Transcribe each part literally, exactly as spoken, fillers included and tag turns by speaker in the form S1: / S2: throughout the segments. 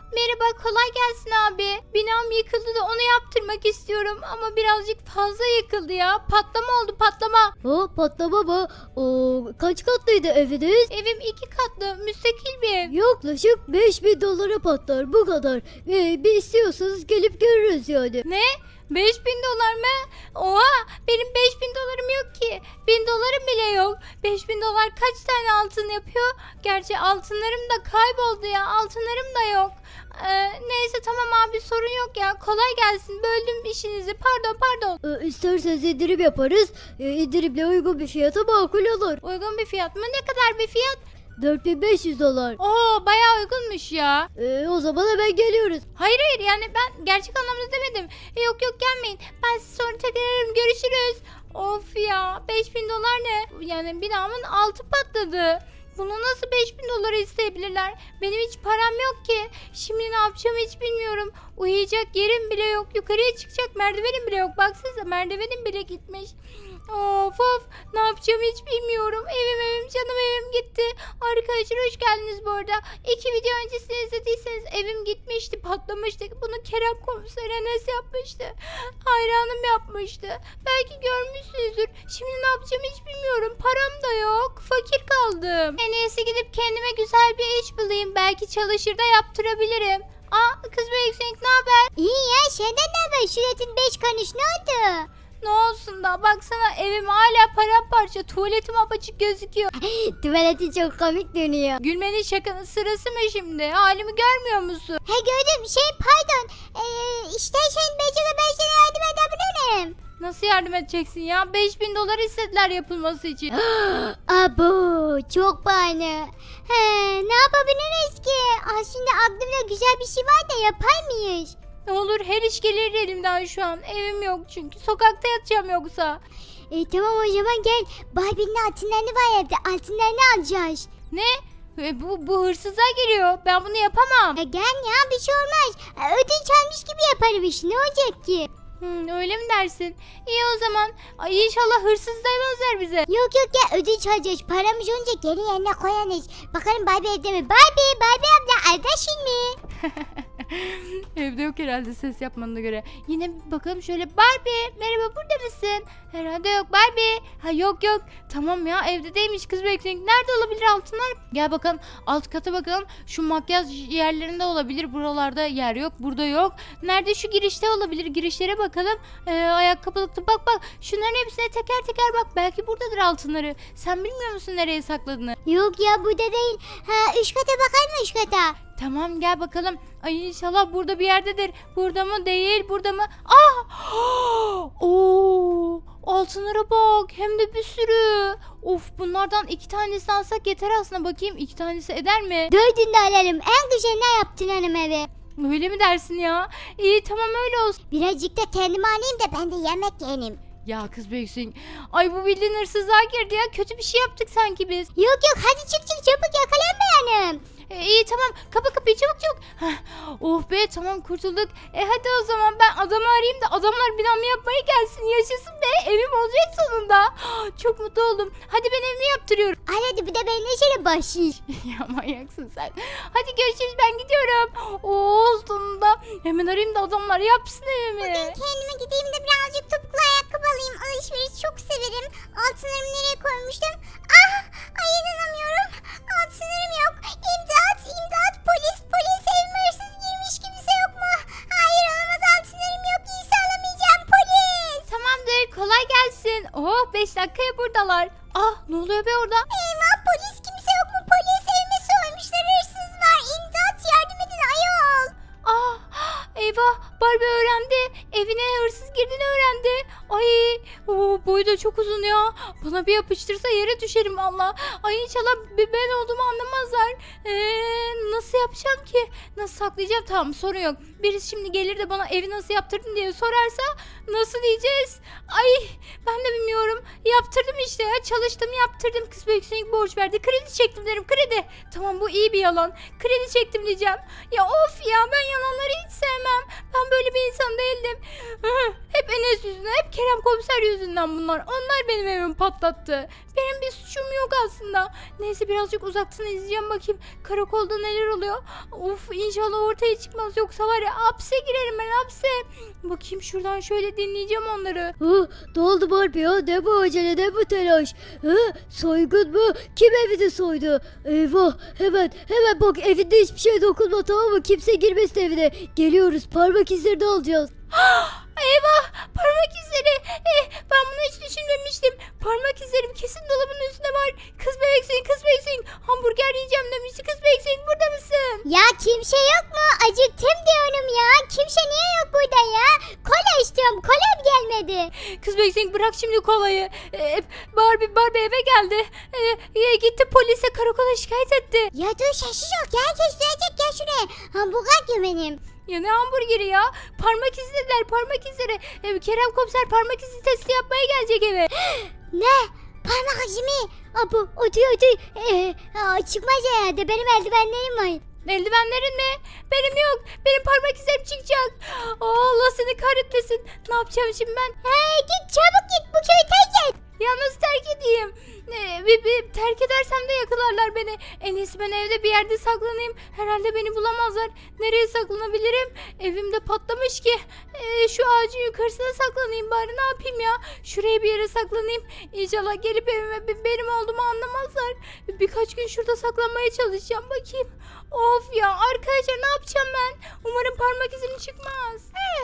S1: Merhaba, kolay gelsin abi. Binam yıkıldı da onu yaptırmak istiyorum ama birazcık fazla yıkıldı ya. Patlama oldu, patlama.
S2: O patlama mı? O kaç katlıydı eviniz?
S1: Evim iki katlı, müstakil bir ev.
S2: Yaklaşık beş bin dolara patlar bu kadar. Ee, bir istiyorsanız gelip görürüz yani.
S1: Ne? beş bin dolar mı? Oha, benim beş bin dolarım yok ki. bin dolarım bile yok. beş bin dolar kaç tane altın yapıyor? Gerçi altınlarım da kayboldu ya. Altınlarım da yok. Ee, neyse tamam abi, sorun yok ya. Kolay gelsin. Böldüm işinizi. Pardon pardon.
S2: Ee, isterseniz indirim yaparız. Ee, indirimle uygun bir fiyata makul olur.
S1: Uygun bir fiyat mı? Ne kadar bir fiyat?
S2: dört bin beş yüz dolar.
S1: Oo, bayağı uygunmuş ya.
S2: Ee, o zaman hemen geliyoruz.
S1: Hayır hayır, yani ben gerçek anlamda demedim. E, yok yok, gelmeyin. Ben sizi sonra tekrar ararım. Görüşürüz. Of ya, beş bin dolar ne? Yani binamın altı patladı. Bunu nasıl beş bin dolara isteyebilirler? Benim hiç param yok ki. Şimdi ne yapacağımı hiç bilmiyorum. Uyuyacak yerim bile yok. Yukarıya çıkacak merdivenim bile yok. Baksanıza, merdivenim bile gitmiş. Of of, ne yapacağımı hiç bilmiyorum. Evim evim canım evim gitti. Arkadaşlar hoş geldiniz bu arada. İki video öncesini izlediyseniz evim gitmişti, patlamıştı. Bunu Kerem Komiser Enes yapmıştı. Hayranım yapmıştı. Belki görmüşsünüzdür. Şimdi ne yapacağımı hiç bilmiyorum. Param da yok. Fakir kaldım. En iyisi gidip kendime güzel bir iş bulayım. Belki çalışır da yaptırabilirim. Aa, kız be yüksek, ne haber?
S2: İyi ya, senden ne haber? Şuratın beş karış ne oldu?
S1: Ne olsun da, baksana evim hala paramparça, tuvaletim apaçık gözüküyor.
S2: Tuvaleti çok komik dönüyor.
S1: Gülmenin şakanın sırası mı şimdi? Halimi görmüyor musun?
S2: He gördüm. Şey pardon. Ee, istersen Becere ben sana yardım edebilirim.
S1: Nasıl yardım edeceksin ya? beş bin dolar istediler yapılması için.
S2: Abo çok pahalı. He, ne yapabiliriz ki? Aslında aklımda güzel bir şey var da yapar mıyız?
S1: Ne olur, her iş gelir elimden şu an. Evim yok çünkü. Sokakta yatacağım yoksa.
S2: E, tamam o zaman gel. Barbie'nin altınlarını var evde. Altınlarını alacağız.
S1: Ne? E, bu, bu hırsızlar geliyor. Ben bunu yapamam.
S2: E, gel ya, bir şey olmaz. E, ödünç almış gibi yaparım iş. Ne olacak ki?
S1: Hmm, öyle mi dersin? İyi o zaman. Ay, inşallah hırsız demezler bize.
S2: Yok yok ya, ödünç alacağız. Paramız olunca geri yerine koyarız. Bakalım Barbie evde mi? Barbie, Barbie abla evdesin mi?
S1: Evde yok herhalde, ses yapmanına göre. Yine bir bakalım şöyle. Barbie, merhaba, burada mısın? Herhalde yok. Barbie. Ha, yok yok. Tamam ya, evde değilmiş kız bekleyin. Nerede olabilir altınlar? Gel bakalım alt kata bakalım. Şu makyaj yerlerinde olabilir. Buralarda yer yok. Burada yok. Nerede? Şu girişte olabilir. Girişlere bakalım. Ee, ayakkabılıkta bak bak. Şunların hepsine teker teker bak. Belki buradadır altınları. Sen bilmiyor musun nereye sakladığını?
S2: Yok ya, burada değil. Ha, üst kata bakar mı üst kata?
S1: Tamam, gel bakalım. Ay, inşallah burada bir yerdedir. Burada mı? Değil. Burada mı? Ah! Oo! Altınlara bak. Hem de bir sürü. Of, bunlardan iki tanesini alsak yeter aslında. Bakayım, iki tanesi eder mi?
S2: Dördünü de alalım. En güzel ne yaptın hanım eve?
S1: Öyle mi dersin ya? İyi, tamam, öyle olsun.
S2: Birazcık da kendime alayım da ben de yemek yeneyim.
S1: Ya kız büyüksün. Ay, bu bildiğin hırsızlığa girdi ya. Kötü bir şey yaptık sanki biz.
S2: Yok yok, hadi çık çık çabuk, yakalanmayalım.
S1: E, iyi tamam, kapa kapıyı çabuk çabuk. Heh, oh be, tamam, kurtulduk. E hadi o zaman ben adamı arayayım da adamlar binamı yapmaya gelsin, yaşasın be, evim olacak sonunda. Çok mutlu oldum. Hadi ben evimi yaptırıyorum.
S2: Al hadi, bir de ben neşeli başlayayım.
S1: Ya manyaksın sen. Hadi görüşürüz, ben gidiyorum. Oo, sonunda. Hemen arayayım da adamlar yapsın evimi.
S2: Kendime gideyim de birazcık topuklu ayakkabı alayım. Alışveriş çok severim. Altınlarımı nereye koymuştum? Ah! Ay, inanamıyorum. Altınlarım yok. İmdat! İmdat! Polis! Polis! Evime hırsız girmiş, kimse yok mu? Hayır, olamaz, altınlarım yok. İyisi alamayacağım, polis!
S1: Tamamdır, kolay gelsin. Oh, beş dakikaya buradalar. Ah, ne oluyor be orada?
S2: Eyvah, polis, kimse yok mu? Polis, evime soymuşlar, hırsız var. İmdat, yardım edin ayol.
S1: Ah, eyvah, Barbie öğrendi. Evine hırsız girdiğini öğrendi. Ay, o boyu da çok uzun ya. Bana bir yapıştırsa yere düşerim valla. Ay, inşallah ben olduğumu anlamazlar. Ee, nasıl yapacağım ki? Nasıl saklayacağım? Tamam, sorun yok. Birisi şimdi gelir de bana evi nasıl yaptırdın diye sorarsa nasıl diyeceğiz? Ay, ben de bilmiyorum. Yaptırdım işte ya. Çalıştım, yaptırdım. Kız büyük borç verdi. Kredi çektim derim. Kredi. Tamam, bu iyi bir yalan. Kredi çektim diyeceğim. Ya of ya, ben yalanları hiç sevmem. Ben böyle bir insan değildim. Hep Enes yüzünden, hep Kerem Komiser yüzünden bunlar. onlar. Onlar benim evimi patlattı. Benim bir suçum yok aslında. Neyse birazcık uzaktan izleyeceğim bakayım. Karakolda neler oluyor. Of inşallah ortaya çıkmaz. Yoksa var ya hapse girerim ben hapse. Bakayım şuradan şöyle dinleyeceğim onları.
S3: Hı, ne oldu Barbie ya? Ne bu acele, ne bu telaş? Hı, soygun mu? Kim evini soydu? Eyvah, hemen hemen bak, evinde hiçbir şey dokunma, tamam mı? Kimse girmesin evine. Geliyoruz, parmak izlerini alacağız.
S1: Eyvah parmak izleri. Eh, ben bunu hiç düşünmemiştim. Parmak izlerim kesin dolabın üstünde var. Kız bebeksin kız bebeksin. Hamburger yiyeceğim demişti. Kız bebeksin burada mısın?
S2: Ya kimse yok mu? Acıktım diyorum ya. Kimse niye yok burada ya? Kola istiyorum. Kolam gelmedi.
S1: Kız bebeksin bırak şimdi kolayı. Ee, Barbie, Barbie eve geldi. Ee, gitti polise karakola şikayet etti.
S2: Ya dur sessiz ol. Gel herkes duyacak, gel şuraya. Hamburger diyor benim.
S1: Ya ne hamburgeri ya? Parmak izlediler parmak izleri. Ee, Kerem komiser parmak izi testi yapmaya gelecek eve.
S2: Ne? Parmak izi mi? Aa, bu otur otur. Ee, aa, çıkmaz herhalde. Benim eldivenlerim var.
S1: Eldivenlerin mi? Benim yok. Benim parmak izlerim çıkacak. Aa, Allah seni kahretmesin. Ne yapacağım şimdi ben?
S2: Hey git çabuk git, bu köyü terk et.
S1: Ya nasıl terk edeyim? Ee, bir, bir terk edersem de yakalarlar beni. En iyisi ben evde bir yerde saklanayım. Herhalde beni bulamazlar. Nereye saklanabilirim? Evimde patlamış ki. Ee, şu ağacın yukarısına saklanayım bari, ne yapayım ya? Şuraya bir yere saklanayım. İnşallah gelip evime be- benim olduğumu anlamazlar. Birkaç gün şurada saklanmaya çalışacağım, bakayım. Of ya arkadaşlar, ne yapacağım ben? Umarım parmak izim çıkmaz.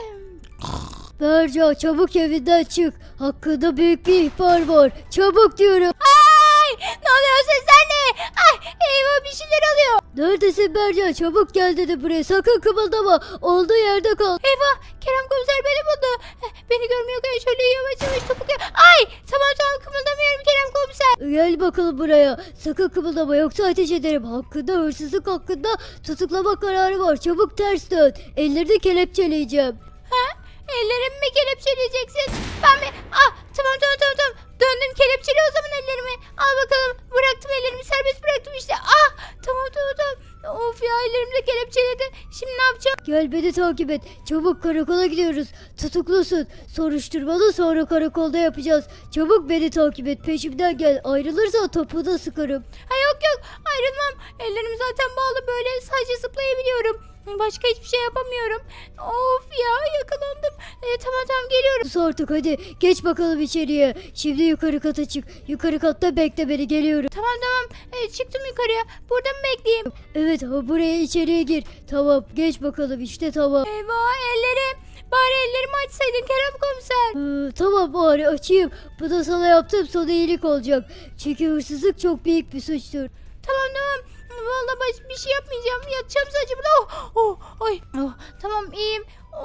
S3: Berca, çabuk evinden çık. Hakkında büyük bir ihbar var. Çabuk diyorum.
S1: Ay, ne oluyor, sesler ne? Ay, eyvah bir şeyler oluyor.
S3: Neredesin Berca? Çabuk gel dedi buraya. Sakın kımıldama. Olduğu yerde kal.
S1: Eyvah, Kerem komiser beni buldu. Eh, Beni görmüyor ki, şöyle yavaş yavaş topuk. Ay, tamam tamam kımıldamıyorum Kerem komiser.
S3: Gel bakalım buraya. Sakın kımıldama, yoksa ateş ederim. Hakkında, hırsızlık hakkında tutuklama kararı var. Çabuk ters dön. Ellerini kelepçeleyeceğim.
S1: Ha? Ellerimi mi kelepçeleyeceksin? Ben mi? Ah, tamam tamam tamam tamam. Döndüm, kelepçeli o zaman ellerimi. Al bakalım. Bıraktım ellerimi, serbest bıraktım işte. Ah, tamam tamam tamam. Of ya, ellerimi de kelepçeledi. Şimdi ne yapacağım?
S3: Gel, beni takip et. Çabuk karakola gidiyoruz. Tutuklusun. Soruşturmalı, sonra karakolda yapacağız. Çabuk beni takip et. Peşimden gel. Ayrılırsan topuğuna sıkarım.
S1: Ha yok yok, ayrılmam. Ellerim zaten bağlı, böyle sadece zıplayabiliyorum. Başka hiçbir şey yapamıyorum. Of ya, yakalandım. E, tamam tamam geliyorum.
S3: Sus artık, hadi. Geç bakalım içeriye. Şimdi yukarı kata çık. Yukarı katta bekle beni. Geliyorum.
S1: Tamam tamam, e, çıktım yukarıya. Burada mı bekleyeyim?
S3: Evet, ha, buraya içeriye gir. Tamam, geç bakalım. İşte tamam.
S1: Eyvah ellerim. Bari ellerimi açsaydın Kerem komiser.
S3: Ee, tamam, bari açayım. Bu da sana yaptığım son iyilik olacak. Çünkü hırsızlık çok büyük bir suçtur.
S1: Tamam tamam. Vallahi baş bir şey yapmayacağım. Yatacağım sadece burada. Oh, oh, ay. Oh, tamam iyiyim.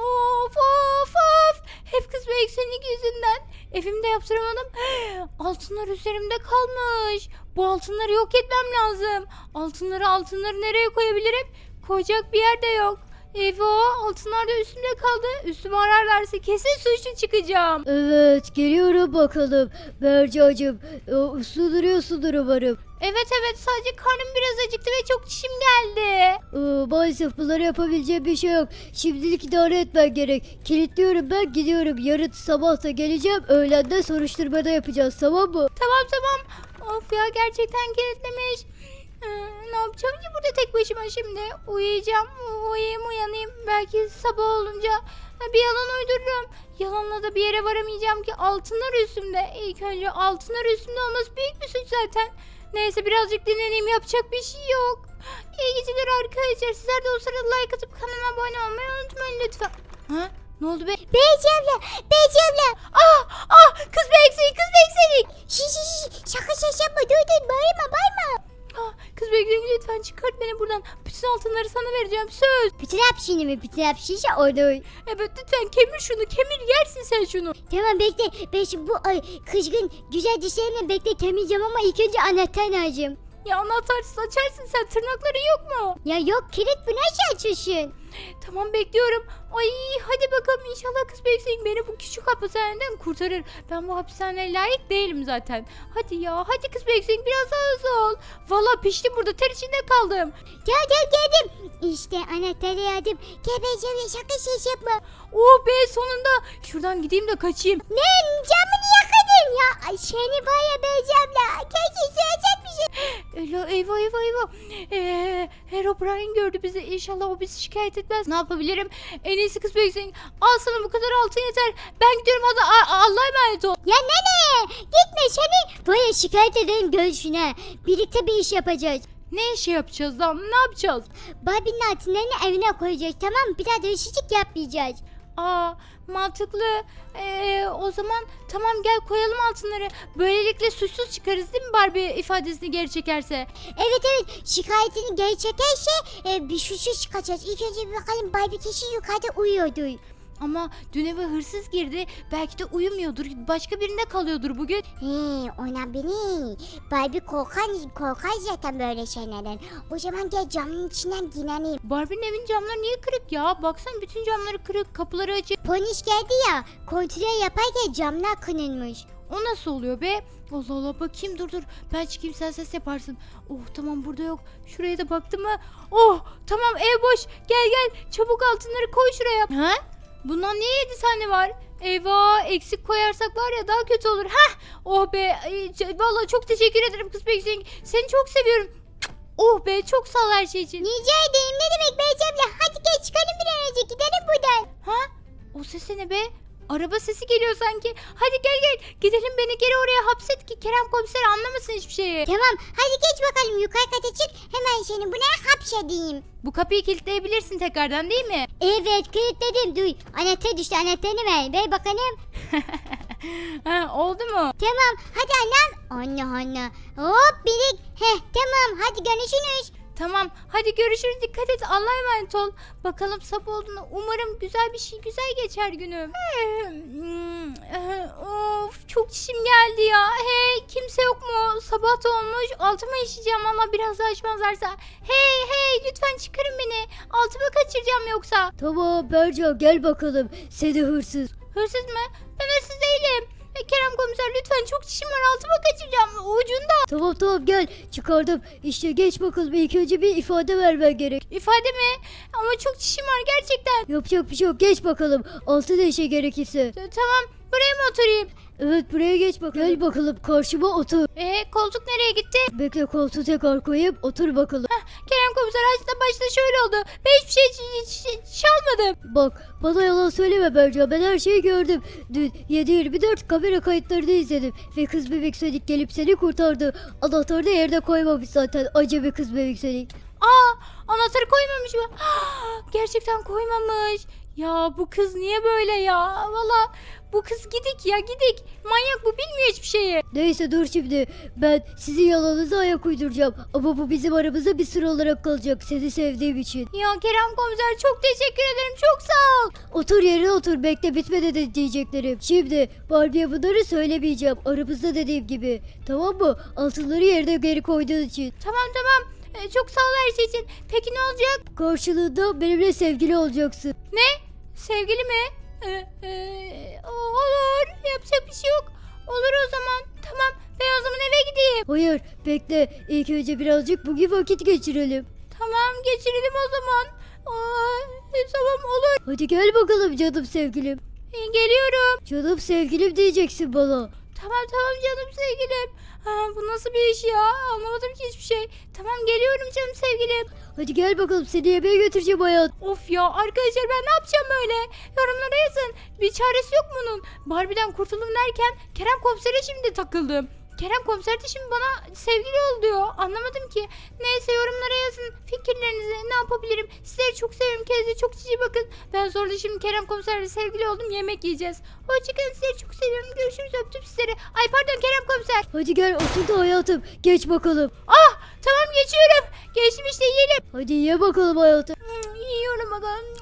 S1: Of of of. Hep kız ve eksenlik yüzünden. Evimde yaptıramadım. Altınlar üzerimde kalmış. Bu altınları yok etmem lazım. Altınları altınları nereye koyabilirim? Koyacak bir yer de yok. Eyvah, altınlar da üstümde kaldı. Üstümü ararlarsa kesin suçlu çıkacağım.
S3: Evet, geliyorum bakalım. Bercacığım, e, uslu duruyorsundur umarım.
S1: Evet evet, sadece karnım biraz acıktı ve çok çişim geldi.
S3: Ee, maalesef bunları yapabileceğim bir şey yok. Şimdilik idare etmen gerek. Kilitliyorum, ben gidiyorum. Yarın sabah da geleceğim. Öğlende soruşturmada yapacağız, tamam mı?
S1: Tamam tamam. Of ya, gerçekten kilitlemiş. Ee, ne yapacağım ki burada tek başıma şimdi? Uyuyacağım. Uyuyayım uyanayım. Belki sabah olunca bir yalan uydururum. Yalanla da bir yere varamayacağım ki, altınlar üstümde. İlk önce altınlar üstümde olması büyük bir suç zaten. Neyse birazcık dinleneyim, yapacak bir şey yok. İyi geceler arkadaşlar. Sizler de o sırada like atıp kanalıma abone olmayı unutmayın lütfen. Ha? Ne oldu be?
S2: Beyci abla, Beyci abla.
S1: Ah ah, kız bekseyi kız bekseyi.
S2: Şi şi şi, şaka şaka yapma, dur dur, bağırma bağırma.
S1: Ah, kız bekleyin lütfen, çıkart beni buradan. Bütün altınları sana vereceğim, söz.
S2: Bütün hapşini mi? Bütün hapşişe orada.
S1: Evet lütfen kemir şunu, kemir, yersin sen şunu.
S2: Tamam bekle, ben şimdi bu ay, kızgın güzel dişlerimle bekle temizleyeceğim ama ilk önce anahtar lazım.
S1: Ya anahtarsız açarsın sen, tırnakların yok mu?
S2: Ya yok, kilit, bu nasıl açıyorsun?
S1: Tamam bekliyorum. Ay hadi bakalım, inşallah kız bekleyin beni bu küçük hapishaneden kurtarır. Ben bu hapishaneye layık değilim zaten. Hadi ya, hadi kız bekleyin, biraz daha hızlı ol. Valla piştim burada, ter içinde kaldım.
S2: Gel gel geldim. İşte anahtarı yardım. Gel Beyci abla, şaka şey yapma.
S1: Oh be, sonunda. Şuradan gideyim de kaçayım.
S2: Ne, camını yakadın. ya. Ay, seni var ya Beyzem'le. Kesin söyleyecek bir şey.
S1: Ela, eyvah eyvah eyvah. Ee, Herobrine gördü bizi. İnşallah o bizi şikayet etmez. Ne yapabilirim? En iyisi kız büyüksün. Al sana bu kadar altın yeter. Ben gidiyorum, hadi A- Allah'a emanet ol.
S2: Ya nene gitme seni. Böyle şikayet edelim görüşüne. Birlikte bir iş yapacağız.
S1: Ne işi yapacağız lan? Ne yapacağız?
S2: Barbie'nin altınlarını evine koyacağız, tamam mı? Bir daha dönüşecek yapmayacağız.
S1: Aa, mantıklı. Ee, o zaman tamam, gel koyalım altınları. Böylelikle suçsuz çıkarız değil mi, Barbie ifadesini geri çekerse?
S2: Evet evet, şikayetini geri çekerse e, bir suçsuz çıkacağız. İlk önce bir bakalım, Barbie kesin yukarıda uyuyordu.
S1: Ama dün eve hırsız girdi. Belki de uyumuyordur. Başka birinde kalıyordur bugün.
S2: He, ona beni. Barbie korkar, korkar zaten böyle şeylerden. O zaman gel camın içinden girelim.
S1: Barbie'nin evin camları niye kırık ya? Baksana, bütün camları kırık, kapıları açık.
S2: Polis geldi ya, kontrol yaparken camlar kırılmış.
S1: O nasıl oluyor be? Allah Allah, bakayım, dur dur. Ben çıkayım, sen ses yaparsın. Oh tamam, burada yok. Şuraya da baktım mı? Oh tamam, ev boş. Gel gel, çabuk altınları koy şuraya. Ha? Bundan niye yedi tane var? Eyvah, eksik koyarsak var ya daha kötü olur. Hah, oh be. Ay, vallahi çok teşekkür ederim kız Beksin. Seni çok seviyorum. Oh be, çok sağ ol her şey için.
S2: Rica ederim, ne demek Beyzem'le. Hadi gel çıkalım bir an önce, gidelim buradan.
S1: Ha? O ses ne be? Araba sesi geliyor sanki. Hadi gel gel. Gidelim, beni geri oraya hapset ki Kerem komiser anlamasın hiçbir şeyi.
S2: Tamam, hadi geç bakalım yukarı kata çık. Hemen seni buna hapsedeyim.
S1: Bu kapıyı kilitleyebilirsin tekrardan değil mi?
S2: Evet, kilitledim. Duy, anahtar düştü, anahtarını ver. Ver bakalım.
S1: Ha, oldu mu?
S2: Tamam, hadi annem. Anne anne. Hop birik. Heh, tamam, hadi görüşürüz.
S1: Tamam, hadi görüşürüz, dikkat et, Allah'a emanet ol. Bakalım sabah olduğunda umarım güzel bir şey, güzel geçer günüm. Hmm, of, çok çişim geldi ya. Hey, kimse yok mu? Sabah da olmuş, altıma işeyeceğim ama biraz daha açmazlarsa. Hey hey, lütfen çıkarın beni. Altıma kaçıracağım yoksa.
S3: Tamam Berca, gel bakalım. Seni hırsız.
S1: Hırsız mı? Ben hırsız değilim. E, Kerem komiser, lütfen, çok çişim var, altıma kaçıracağım ucunda.
S3: Tamam tamam, gel, çıkardım. İşte geç bakalım, ilk önce bir ifade vermen gerek.
S1: İfade mi? Ama çok çişim var gerçekten.
S3: Yapacak bir şey yok, geç bakalım. Altı değişe gerekirse.
S1: T- Tamam, buraya mı oturayım?
S3: Evet, buraya geç bakalım. Gel bakalım, karşıma otur.
S1: E, koltuk nereye gitti?
S3: Bekle, koltuğu tekrar koyup otur bakalım.
S1: Kerem komiser, açta başta şöyle oldu. Ben hiçbir şey ç- ç- ç- çalmadım.
S3: Bak, bana yalan söyleme Berca, ben her şeyi gördüm. Dün yedi yirmi dört kamera kayıtlarını izledim. Ve kız bebek Sonic gelip seni kurtardı. Anahtarı da yerde koymamış zaten, acemi kız bebek Sonic.
S1: Aa, anahtarı koymamış mı? Gerçekten koymamış. Ya bu kız niye böyle ya? Valla bu kız gidik ya, gidik. Manyak bu, bilmiyor hiçbir şeyi.
S3: Neyse, dur şimdi, ben sizin yalanınıza ayak uyduracağım. Ama bu bizim aramızda bir sır olarak kalacak, seni sevdiğim için.
S1: Ya Kerem komiser, çok teşekkür ederim, çok sağ ol.
S3: Otur yerine otur, bekle, bitmedi de diyeceklerim. Şimdi Barbie'ye bunları söylemeyeceğim, aramızda dediğim gibi. Tamam mı? Altınları yerine geri koyduğun için.
S1: Tamam tamam. E, çok sağ ol her şey için. Peki ne olacak?
S3: Karşılığında benimle sevgili olacaksın.
S1: Ne? Sevgili mi? E, e, olur. Yapacak bir şey yok. Olur o zaman. Tamam. Ben o zaman eve gideyim.
S3: Hayır, bekle, ilk önce birazcık bugün vakit geçirelim.
S1: Tamam, geçirelim o zaman. Aa, e, tamam olur.
S3: Hadi gel bakalım canım sevgilim.
S1: E, geliyorum.
S3: Canım sevgilim diyeceksin bana.
S1: Tamam tamam canım sevgilim. Ha, bu nasıl bir iş ya? Anlamadım ki hiçbir şey. Tamam, geliyorum canım sevgilim.
S3: Hadi gel bakalım, seni yemeğe götüreceğim hayat.
S1: Of ya arkadaşlar, ben ne yapacağım böyle? Yorumlara yazın. Bir çaresi yok bunun. Barbie'den kurtuldum derken Kerem komisere şimdi takıldım. Kerem komiser de şimdi bana sevgili ol diyor. Anlamadım ki. Neyse, yorumlara yazın fikirlerinizi, ne yapabilirim. Sizleri çok seviyorum. Kendinize çok cici bakın. Ben zorla şimdi Kerem komiserle sevgili oldum. Yemek yiyeceğiz. Hoşçakalın, sizleri çok seviyorum. Görüşürüz, öptüm sizleri. Ay pardon Kerem komiser.
S3: Hadi gel, otur da hayatım, geç bakalım.
S1: Ah tamam, geçiyorum. Geçtim işte, yiyelim.
S3: Hadi ye bakalım hayatım.
S1: Hmm, yiyorum bakalım.